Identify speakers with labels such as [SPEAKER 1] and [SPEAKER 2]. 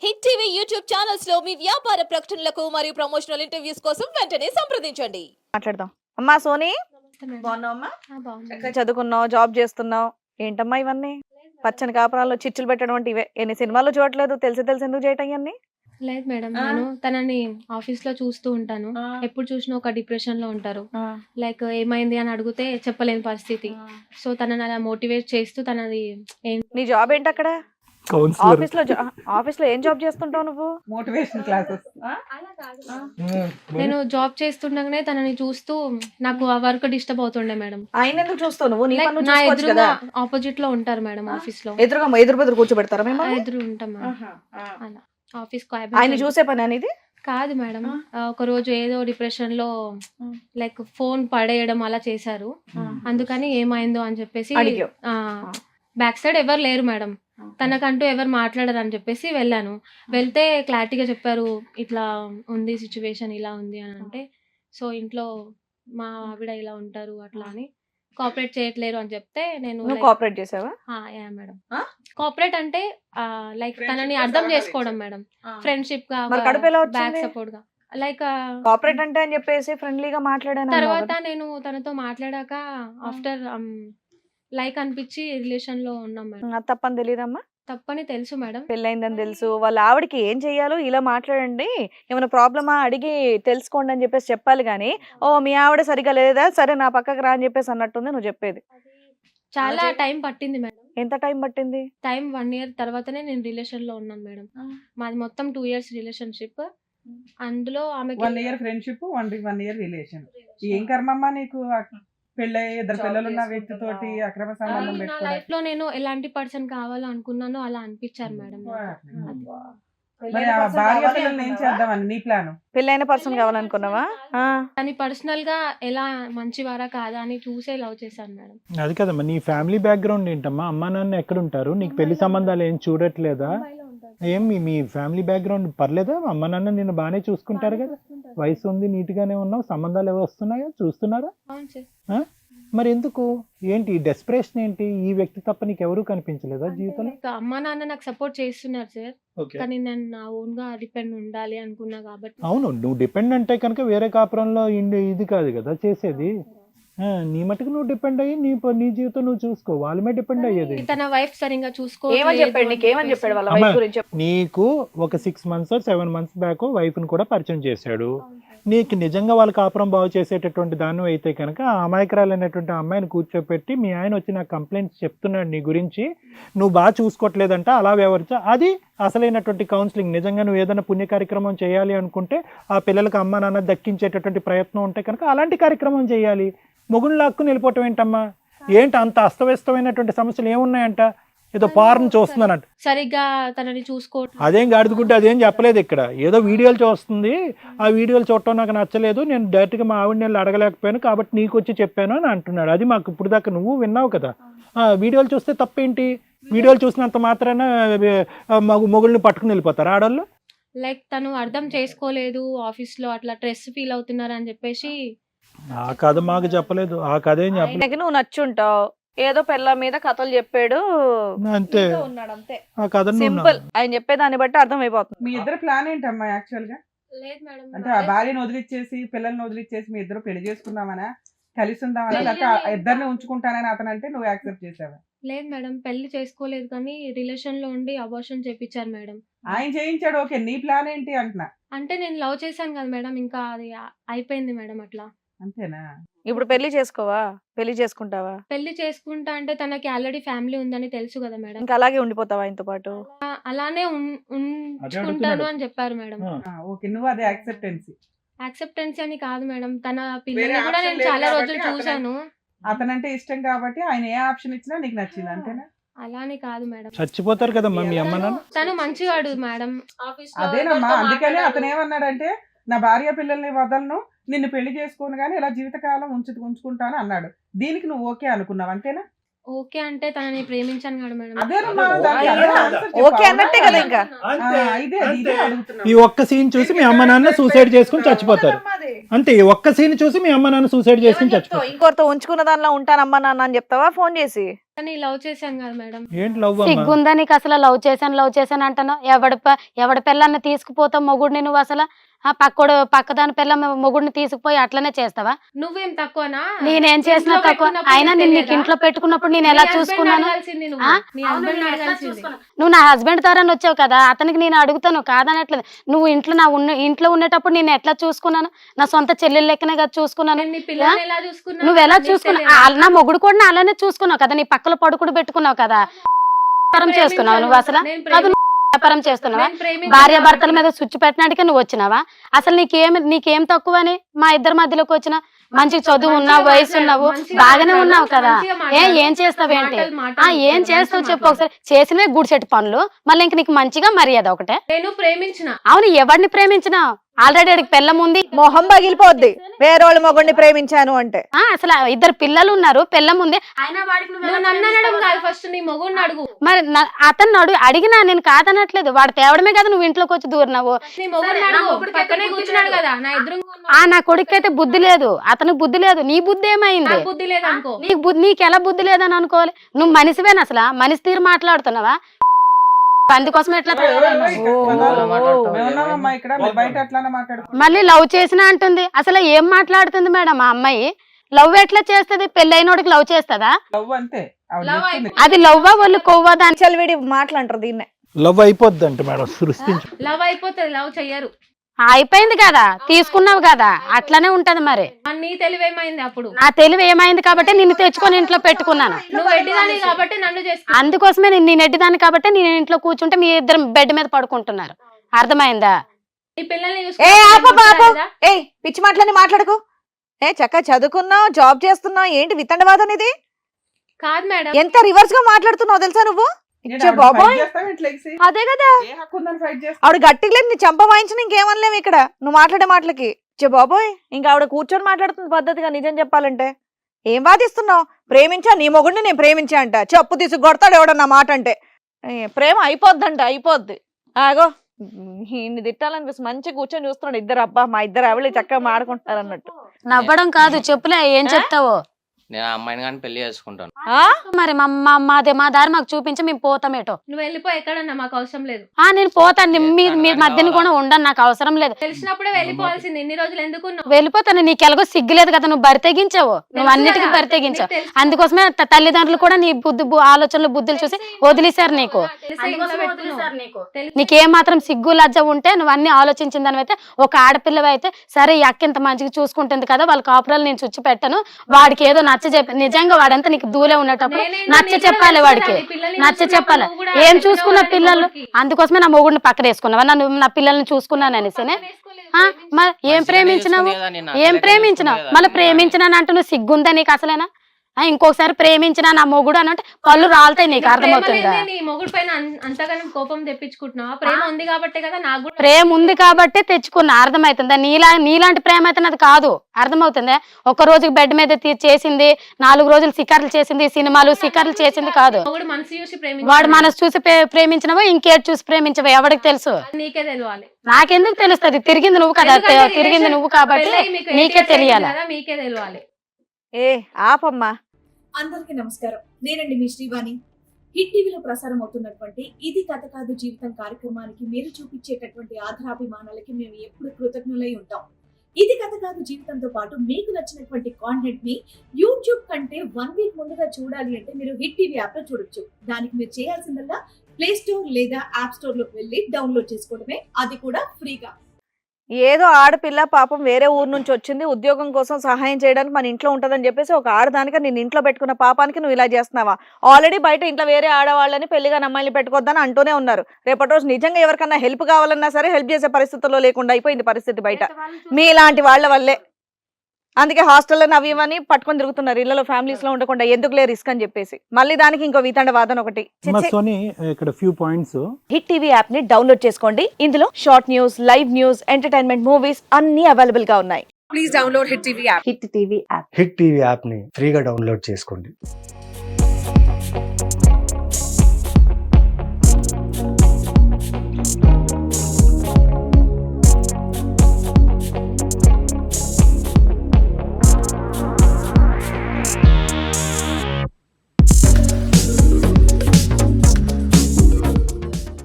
[SPEAKER 1] Hit TV YouTube channels లో మీ వ్యాపార ప్రకటనలకు మరియు ప్రమోషనల్ ఇంటర్వ్యూస్ కోసం వెంటనే సంప్రదించండి.
[SPEAKER 2] మాట్లాడదాం. అమ్మా సోని, బాగున్నావమ్మా? చక్కగా చదువుకున్నావు, జాబ్ చేస్తున్నావు, ఏంటమ్మా ఇవన్నీ పచ్చని కాపురాల్లో చిచ్చులు పెట్టడం అంటే ఇవే? ఎన్ని సినిమాలు చూడట్లేదు, తెలిసి ఎందుకు చేయటం ఇవన్నీ?
[SPEAKER 3] లేదు మేడం, నేను తనని ఆఫీస్ లో చూస్తూ ఉంటాను. ఎప్పుడు చూసినా ఒక డిప్రెషన్ లో ఉంటారు. లైక్ ఏమైంది అని అడిగితే చెప్పలేని పరిస్థితి. సో తనని అలా మోటివేట్ చేస్తూ తనది
[SPEAKER 2] నీ జాబ్ ఏంటి అక్కడ? ఆఫీస్ లో ఏం జాబ్ చేస్తుంటావు నువ్వు?
[SPEAKER 4] Motivation classes.
[SPEAKER 3] నేను జాబ్ చేస్తుండగానే తనని చూస్తూ నాకు ఆ వర్క్ డిస్టర్బ్ అవుతుండే మేడం.
[SPEAKER 2] ఆయన ఎందుకు చూస్తావు నువ్వు?
[SPEAKER 3] నా ఎదురుగా ఆపోజిట్ లో ఉంటారు మేడం. ఆఫీస్ లో
[SPEAKER 2] ఎదురు కూర్చోబెడతారా మేము?
[SPEAKER 3] ఎదురు ఉంటాం మేడం. అలా ఆఫీస్
[SPEAKER 2] ఆయన చూసే పని అనేది
[SPEAKER 3] కాదు మేడం. ఒక రోజు ఏదో డిప్రెషన్ లో లైక్ ఫోన్ పడేయడం అలా చేశారు. అందుకని ఏమైందో అని చెప్పేసి బ్యాక్ సైడ్ ఎవరు లేరు మేడం, తనకంటూ ఎవరు మాట్లాడరు అని చెప్పేసి వెళ్ళాను. వెళ్తే క్లారిటీగా చెప్పారు, ఇట్లా ఉంది సిచ్యువేషన్, ఇలా ఉంది అని. అంటే సో ఇంట్లో మా ఆవిడ ఇలా ఉంటారు అట్లా అని కోఆపరేట్ చేయట్లేరు అని చెప్తే నేను
[SPEAKER 2] కోఆపరేట్ చేసావా?
[SPEAKER 3] మేడం. కోఆపరేట్ అంటే లైక్ తనని అర్థం చేసుకోవడం మేడం, ఫ్రెండ్షిప్ గా, బ్యాక్ సపోర్ట్ గా. లైక్
[SPEAKER 2] కోఆపరేట్ అంటే అని చెప్పేసి ఫ్రెండ్లీగా మాట్లాడాను.
[SPEAKER 3] తర్వాత నేను తనతో మాట్లాడాక ఆఫ్టర్ లైక్ అనిపించి రిలేషన్ లో ఉన్నాం మేడం.
[SPEAKER 2] తప్పని తెలియదమ్మా?
[SPEAKER 3] తప్పని తెలుసు మేడం,
[SPEAKER 2] పెళ్ళైందని తెలుసు. వాళ్ళ ఆవిడకి ఏం చెయ్యాలో ఇలా మాట్లాడండి, ఏమైనా ప్రాబ్లమా అడిగి తెలుసుకోండి అని చెప్పేసి చెప్పాలి కానీ, ఓ మీ ఆవిడ సరిగా లేదా, సరే నా పక్కకు రా అని చెప్పేసి అన్నట్టుంది నువ్వు చెప్పేది.
[SPEAKER 3] చాలా టైం పట్టింది మేడం.
[SPEAKER 2] ఎంత టైం పట్టింది?
[SPEAKER 3] టైం 1 year తర్వాతనే నేను రిలేషన్ లో ఉన్నాను మేడం. మాది మొత్తం 2 years రిలేషన్షిప్. అందులో ఆమెకి
[SPEAKER 4] 1 year ఫ్రెండ్షిప్, 1 year రిలేషన్. ఏం కర్మమ్మా నీకు? పెళ్ళై 2 పిల్లలు ఉన్న వ్యక్తితోటి అక్రమ సంబంధం పెట్టుకోవడం.
[SPEAKER 3] లైఫ్ లో నేను ఎలాంటి పర్సన్ కావాలో అనుకున్నానో అలా అనిపించారు మేడం.
[SPEAKER 4] మరి ఆ భార్య పిల్లల్ని ఏం చేద్దామని నీ ప్లాన్?
[SPEAKER 2] పెళ్ళైన పర్సన్ కావాలనుకున్నావా?
[SPEAKER 3] కానీ పర్సనల్ గా ఎలా మంచివారా కాదా అని చూసే లవ్ చేశాను మేడం.
[SPEAKER 5] అది కదమ్మా, నీ ఫ్యామిలీ బ్యాక్గ్రౌండ్ ఏంటమ్మా? అమ్మా నాన్న ఎక్కడ ఉంటారు? నీకు పెళ్లి సంబంధాలు ఏం చూడట్లేదా? ఏం మీ ఫ్యామిలీ బ్యాక్గ్రౌండ్ పర్లేదా? అమ్మ నాన్న నిన్ను బాగానే చూసుకుంటారు కదా, వయసు ఉంది, నీట్ గానే ఉన్నావు, సంబంధాలు ఏవో వస్తున్నాయా, చూస్తున్నారా? మరి ఎందుకు ఏంటి డెస్పరేషన్ ఏంటి? ఈ వ్యక్తి తప్ప నీకు ఎవరు కనిపించలేదా జీవితంలో?
[SPEAKER 3] అమ్మా నాన్న నాకు సపోర్ట్ చేస్తున్నారు సార్, కానీ నేను నా ఓన్ గా డిపెండ్ ఉండాలి అనుకున్నా కాబట్టి.
[SPEAKER 5] అవును, నువ్వు డిపెండ్ అంటే కనుక వేరే కాపురంలో ఇది కాదు కదా చేసేది. నీ మటుకు నువ్వు డిపెండ్ అయ్యి నీ జీవితం నువ్వు చూసుకో, వాళ్ళ మీద డిపెండ్ అయ్యేది.
[SPEAKER 3] తన వైఫ్ సరిగా చూసుకో.
[SPEAKER 5] నీకు ఒక 6 months 7 months బ్యాక్ వైఫ్ ని కూడా పరిచయం చేశాడు. నీకు నిజంగా వాళ్ళ కాపురం బాగు చేసేటటువంటి దాన్ని అయితే కనుక ఆ అమాయకురాలైనటువంటి అమ్మాయిని కూర్చోపెట్టి మీ ఆయన వచ్చి నాకు కంప్లైంట్స్ చెప్తున్నాడు నీ గురించి, నువ్వు బాగా చూసుకోవట్లేదంట, అలా వ్యవహరించా, అది అసలైనటువంటి కౌన్సిలింగ్. నిజంగా నువ్వు ఏదైనా పుణ్య కార్యక్రమం చేయాలి అనుకుంటే, ఆ పిల్లలకు అమ్మ నాన్న దక్కించేటటువంటి ప్రయత్నం ఉంటే కనుక అలాంటి కార్యక్రమం చేయాలి. మొగుడు లాక్కుని వెళ్ళిపోవటం ఏంటమ్మా? ఏంటి అంత అస్తవ్యస్తమైనటువంటి సమస్యలు ఏమున్నాయంట? ఏదో పార్ను చూస్తున్నానంట,
[SPEAKER 3] సరిగ్గా తనని చూసుకోవట్లేదు.
[SPEAKER 5] అదేం గాడిదుకుంటే అదేం చెప్పలేదు ఇక్కడ, ఏదో వీడియోలు చూస్తుంది, ఆ వీడియోలు చూడటం నాకు నచ్చలేదు, నేను డైరెక్ట్గా మా ఆవిడని వెళ్ళి అడగలేకపోయాను కాబట్టి నీకు వచ్చి చెప్పాను అని అంటున్నాడు. అది మాకు ఇప్పుడు దాకా నువ్వు విన్నావు కదా. వీడియోలు చూస్తే తప్పేంటి? వీడియోలు చూసినంత మాత్రాన మొగుళ్ళని పట్టుకుని వెళ్ళిపోతారు ఆడవాళ్ళు?
[SPEAKER 3] లైక్ తను అర్థం చేసుకోలేదు, ఆఫీస్ లో అట్లా స్ట్రెస్ ఫీల్ అవుతున్నారు అని చెప్పేసి
[SPEAKER 5] ఆ కథ మాకు చెప్పలేదు. ఆ కథ ఏం చెప్పలేదు.
[SPEAKER 2] నువ్వు నచ్చుంటావు, ఏదో పిల్ల మీద కథలు చెప్పాడు
[SPEAKER 5] అంతే. ఆ కథ
[SPEAKER 2] సింపుల్, ఆయన చెప్పేదాన్ని బట్టి అర్థం అయిపోతుంది.
[SPEAKER 4] మీ ఇద్దరు ప్లాన్ ఏంటమ్మా యాక్చువల్ గా?
[SPEAKER 3] లేదు మేడం,
[SPEAKER 4] అంటే ఆ భార్యను వదిలిచ్చేసి పిల్లల్ని వదిలిచ్చేసి మీ ఇద్దరు పెళ్లి చేసుకుందామనా, కలిసి ఉందామనా, లేకపోతే ఇద్దరిని ఉంచుకుంటానని అతను అంటే నువ్వు యాక్సెప్ట్ చేసావా?
[SPEAKER 3] లేదు మేడం, పెళ్లి చేసుకోలేదు కానీ రిలేషన్ లో ఉండి అబార్షన్ చేపించారు మేడం.
[SPEAKER 4] ఆయన చేయించాడు, ఓకే. నీ ప్లాన్ ఏంటి అంటున్నా?
[SPEAKER 3] అంటే నేను లవ్ చేశాను కదా మేడం, ఇంకా అది అయిపోయింది మేడం. అట్లా
[SPEAKER 4] అంతేనా?
[SPEAKER 2] ఇప్పుడు పెళ్లి చేసుకోవా? పెళ్లి చేసుకుంటావా?
[SPEAKER 3] పెళ్లి చేసుకుంటా అంటే తనకి ఆల్రెడీ ఫ్యామిలీ ఉందని తెలుసు కదా మేడం.
[SPEAKER 2] ఇంకా అలాగే ఉండిపోతావా ఆయనతో పాటు?
[SPEAKER 3] అలానే ఉంచుకుంటాను అని చెప్పారు మేడం.
[SPEAKER 4] ఓకే, నువ్వు అదే
[SPEAKER 3] యాక్సెప్టెన్స్ అని కాదు మేడం, తన పిల్లల్ని కూడా నేను చాలా రోజులు చూసాను.
[SPEAKER 4] అతనంటే ఇష్టం కాబట్టి ఆయన ఏ ఆప్షన్ ఇచ్చినా నీకు నచ్చింది అంతేనా?
[SPEAKER 3] అలానే కాదు మేడం,
[SPEAKER 5] చచ్చిపోతారు కదమ్మా మీ అమ్మ నాన్న.
[SPEAKER 3] తను మంచివాడు మేడం.
[SPEAKER 4] అదేనమ్మా, అందుకనే అతను ఏమన్నాడంటే, నా భార్య పిల్లల్ని వదలను, నిన్ను పెళ్లి చేసుకోను గానీ ఇలా జీవితకాలం ఉంచుకుంటాను అన్నాడు. దీనికి నువ్వు ఓకే అనుకున్నావు అంతేనా?
[SPEAKER 3] ఓకే అంటే తనని ప్రేమించాను కదా మేడం.
[SPEAKER 2] ఓకే అన్నట్టే కదా. ఇంకా
[SPEAKER 5] ఈ ఒక్క సీన్ చూసి మీ అమ్మ నాన్న సూసైడ్ చేసుకుని చచ్చిపోతారు అంతే. ఈ ఒక్క సీన్ చూసి మీ అమ్మ నాన్న సూసైడ్ చేసుకుని చచ్చిపోతారు.
[SPEAKER 2] ఇంకొకరితో ఉంచుకున్న దానిలో ఉంటానమ్మా నాన్న అని చెప్తావా ఫోన్ చేసి?
[SPEAKER 3] కానీ లవ్ చేశాను కదా మేడం.
[SPEAKER 5] ఏంటి లవ్ అమ్మా?
[SPEAKER 6] సిగ్గుందా నీకు అసలు? లవ్ చేశాను అంటాను. ఎవడి పిల్లల్ని తీసుకుపోతావు మొగుడిని నువ్వు అసలు? ఆ పక్కదాని పిల్ల మొగుడిని తీసుకుపోయి అట్లనే చేస్తావా?
[SPEAKER 3] నువ్వేం తక్కువనా?
[SPEAKER 6] నేనేం చేసినా తక్కువ? అయినా నేను నీకు ఇంట్లో పెట్టుకున్నప్పుడు నేను ఎలా చూసుకున్నాను? నువ్వు నా హస్బెండ్ ద్వారా వచ్చావు కదా, అతనికి నేను అడుగుతాను కాదనట్లేదు. నువ్వు ఇంట్లో ఉండేటప్పుడు నేను ఎట్లా చూసుకున్నాను? నా సొంత చెల్లెలు లెక్కనే కదా చూసుకున్నాను. నువ్వు ఎలా చూసుకున్నావు? నా మొగుడు కూడా అలానే చూసుకున్నావు కదా, నీ పక్కల పడుకుడు పెట్టుకున్నావు కదా. వ్యాపారం చేస్తున్నావు నువ్వు అసలు? వ్యాపారం చేస్తున్నావా? భార్య భర్తల మీద స్విచ్ పెట్టడానికి నువ్వు వచ్చినావా? అసలు నీకేం తక్కువని మా ఇద్దరి మధ్యలోకి వచ్చిన? మంచి చదువు ఉన్నావు, వయసు ఉన్నావు, బాగానే ఉన్నావు కదా. ఏం చేస్తావు ఏంటి? ఏం చేస్తావు చెప్పు ఒకసారి. చేసినవే గుడిసెట్టు పనులు, మళ్ళీ ఇంక నీకు మంచిగా మర్యాద ఒకటే.
[SPEAKER 3] నేను ప్రేమించిన.
[SPEAKER 6] అవును, ఎవరిని ప్రేమించినావు? ఆల్రెడీ అడిగి పెళ్ళం ఉంది,
[SPEAKER 2] మొహం పగిలిపోద్ది వేరేవాళ్ళ మొగుడిని ప్రేమించాను అంటే.
[SPEAKER 6] అసలు ఇద్దరు పిల్లలు ఉన్నారు, పెళ్ళం ఉంది.
[SPEAKER 3] ఫస్ట్ నీ మొగుడిని అడుగు.
[SPEAKER 6] మరి అతను అడిగినా నేను కాదనట్లేదు. వాడు తేవడమే కదా నువ్వు ఇంట్లోకి వచ్చి దూరినావు.
[SPEAKER 3] నీ మొగుడిని అడుగు. పక్కనే కూర్చున్నాడు కదా నా ఎదురుగా.
[SPEAKER 6] నా కొడుకు అయితే బుద్ధి లేదు, అతనికి బుద్ధి లేదు. నీ బుద్ధి ఏమైంది?
[SPEAKER 3] బుద్ధి లేదనుకో.
[SPEAKER 6] నీకు ఎలా బుద్ధి లేదని అనుకోవాలి? నువ్వు మనిషివేనా అసలు? మనిషి తీరు మాట్లాడుతున్నావా? అందుకోసం ఎట్లా మళ్ళీ లవ్ చేసినా అంటుంది. అసలు ఏం మాట్లాడుతుంది మేడం ఆ అమ్మాయి? లవ్ ఎట్లా చేస్తుంది? పెళ్ళైనోడికి లవ్ చేస్తుందా? అది లవ్వా వాళ్ళు కొవ్వా? దాని
[SPEAKER 2] చలివిడి మాట్లాంటారు దీన్నే.
[SPEAKER 5] లవ్ అయిపోద్ది అంటే మేడం, సృష్టించు.
[SPEAKER 3] లవ్ అయిపోతుంది, లవ్ చెయ్యరు.
[SPEAKER 6] అయిపోయింది కదా, తీసుకున్నావు కదా, అట్లానే ఉంటది. మరి
[SPEAKER 3] నీ తెలివేమైంది? అప్పుడు
[SPEAKER 6] నా తెలివి ఏమైంది కాబట్టి నిన్ను తెచ్చుకొని ఇంట్లో పెట్టుకున్నాను.
[SPEAKER 3] నువ్వు ఎడ్డిదాని కాబట్టి నన్ను చేసుకున్నావు.
[SPEAKER 6] అందుకోసమే నేను ఎడ్డిదాన్ని కాబట్టి నేను ఇంట్లో కూర్చుంటే మీ ఇద్దరు బెడ్ మీద పడుకుంటున్నారు. అర్థమైందా?
[SPEAKER 3] నీ పిల్లల్ని
[SPEAKER 2] పిచ్చి మాటలని మాట్లాడుకో. చక్కగా చదువుకున్నావు, జాబ్ చేస్తున్నావు, ఏంటి వితండవాదం ఇది?
[SPEAKER 3] కాదు మేడం,
[SPEAKER 2] ఎంత రివర్స్ గా మాట్లాడుతున్నావు తెలుసా నువ్వు? బాబోయ్, అదే కదా ఆవిడ గట్టిగా లేదు, నీ చంప వాయించిన ఇంకేమనలేము ఇక్కడ నువ్వు మాట్లాడే మాటలకి. బాబోయ్, ఇంకా ఆవిడ కూర్చొని మాట్లాడుతుంది పద్ధతిగా. నిజం చెప్పాలంటే ఏం వాదిస్తున్నావు? ప్రేమించా, నీ మొగుడిని నేను ప్రేమించా అంట. చెప్పు తీసుకు కొడతాడు ఎవడన్నా మాట అంటే. ప్రేమ అయిపోద్దంట, అయిపోద్ది. ఆగో, ఇన్ని తిట్టాలనిపిస్తుంది. మంచిగా కూర్చొని చూస్తున్నాడు ఇద్దరు. అబ్బా, మా ఇద్దరు ఆవిడ చక్కగా మాడుకుంటారు అన్నట్టు.
[SPEAKER 6] నవ్వడం కాదు, చెప్పులే ఏం చెప్తావో.
[SPEAKER 7] నేను ఆ అమ్మాయిని కానీ పెళ్లి చేసుకుంటాను.
[SPEAKER 6] మరి మా దారి మాకు చూపించి మేము పోతామేటో.
[SPEAKER 3] నువ్వు వెళ్ళిపో, ఎక్కడన్నా మాకు అవసరం లేదు.
[SPEAKER 6] నేను పోతాను, మీ మధ్యన కూడా ఉండను, నాకు అవసరం లేదు.
[SPEAKER 3] తెలిసినప్పుడే వెళ్ళిపోవాల్సింది. ఇన్ని రోజులు ఎందుకు
[SPEAKER 6] వెళ్ళిపోతాను. నీకు ఎలాగో సిగ్గులేదు కదా, నువ్వు బరితెగించావు, నువ్వు అన్నిటికీ బరితెగించావు. అందుకోసమే తల్లిదండ్రులు కూడా నీ ఆలోచనలు బుద్ధులు చూసి వదిలేశారు నీకు. నీకేం మాత్రం సిగ్గు లజ్జ ఉంటే నువ్వు అన్ని ఆలోచించిన దానివైతే, ఒక ఆడపిల్లవి అయితే సరే ఈ అక్క ఇంత మంచిగా చూసుకుంటుంది కదా, వాళ్ళ కాపురాలు నేను చుచ్చి పెట్టను, వాడికి ఏదో నచ్చ చెప్పి. నిజంగా వాడంతా నీకు దూలే ఉన్నటప్పుడు నచ్చ చెప్పాలి, వాడికి నచ్చ చెప్పాలి. ఏం చూసుకున్న పిల్లలు? అందుకోసమే నా మొగుడిని పక్కన వేసుకున్నావా? నన్ను నా పిల్లల్ని చూసుకున్నాను అనేసినే. ఏం ప్రేమించినావు? మళ్ళీ ప్రేమించినాను అంటే నువ్వు సిగ్గుందా నీకు అసలేనా? ఇంకొకసారి ప్రేమించిన నా మొగుడు అని అంటే పళ్ళు రాలుతాయి. నీకు అర్థమవుతుందా?
[SPEAKER 3] మొగుడు పైన అంతగానం కోపం తెప్పించుకుంటున్నావా? ప్రేమ ఉంది కాబట్టే కదా. నాకు
[SPEAKER 6] ప్రేమ ఉంది కాబట్టే తెచ్చుకున్నా. అర్థమవుతుందా? నీలాంటి ప్రేమ అయితే నాది కాదు. అర్థమవుతుందా? ఒక రోజుకి బెడ్ మీద చేసింది, 4 రోజులు సికార్లు చేసింది, సినిమాలు సికార్లు చేసింది కాదు. వాడు మనసు చూసి ప్రేమించినవో ఇంకేటి చూసి ప్రేమించవో ఎవరికి తెలుసు?
[SPEAKER 3] నీకే తెలియాలి.
[SPEAKER 6] నాకెందుకు తెలుస్తుంది? తిరిగింది నువ్వు కదా, తిరిగింది నువ్వు కాబట్టి నీకే తెలియాలి.
[SPEAKER 3] మీకే తెలియాలి.
[SPEAKER 2] ఆపమ్మా.
[SPEAKER 8] అందరికీ నమస్కారం. నేనండి మీ శ్రీవాణి. హిట్ టీవీలో ప్రసారం అవుతున్నటువంటి ఇది కథ కాదు జీవితం కార్యక్రమానికి మీరు చూపించేటటువంటి ఆధారాభిమానాలకి మేము ఎప్పుడు కృతజ్ఞులై ఉంటాం. ఇది కథ కాదు జీవితంతో పాటు మీకు నచ్చినటువంటి కాంటెంట్ ని యూట్యూబ్ కంటే 1 వీక్ ముందుగా చూడాలి అంటే మీరు హిట్ టీవీ యాప్ లో చూడొచ్చు. దానికి మీరు చేయాల్సిందల్లా ప్లే స్టోర్ లేదా యాప్ స్టోర్ లోకి వెళ్ళి డౌన్లోడ్ చేసుకోవడమే, అది కూడా ఫ్రీగా.
[SPEAKER 2] ఏదో ఆడపిల్ల పాపం వేరే ఊరు నుంచి వచ్చింది, ఉద్యోగం కోసం సహాయం చేయడానికి మన ఇంట్లో ఉంటుందని చెప్పేసి ఒక ఆడదానికి నేను ఇంట్లో పెట్టుకున్న పాపానికి నువ్వు ఇలా చేస్తున్నావా? ఆల్రెడీ బయట ఇంట్లో వేరే ఆడవాళ్ళని పెళ్లిగా అమ్మాయిని పెట్టుకోవద్దని అంటూనే ఉన్నారు. రేపటి రోజు నిజంగా ఎవరికన్నా హెల్ప్ కావాలన్నా సరే హెల్ప్ చేసే పరిస్థితుల్లో లేకుండా అయిపోయింది పరిస్థితి బయట మీలాంటి వాళ్ళ వల్లే. అందుకే హాస్టల్లో అవి ఇవన్నీ పట్టుకొని తిరుగుతున్నారు, ఇళ్లలో ఫ్యామిలీస్ లో ఉండకుండా ఎందుకులే రిస్క్ అని చెప్పేసి. మళ్ళీ దానికి ఇంకో వితండ వాదన ఒకటి.
[SPEAKER 5] ఇక్కడ few points.
[SPEAKER 2] Hit TV app ని డౌన్లోడ్ చేసుకోండి. ఇందులో short news, live news, entertainment, movies అన్ని అవైలబుల్ గా ఉన్నాయి. Please download hit TV app.
[SPEAKER 9] Hit TV app ని ఫ్రీగా డౌన్లోడ్ చేసుకోండి.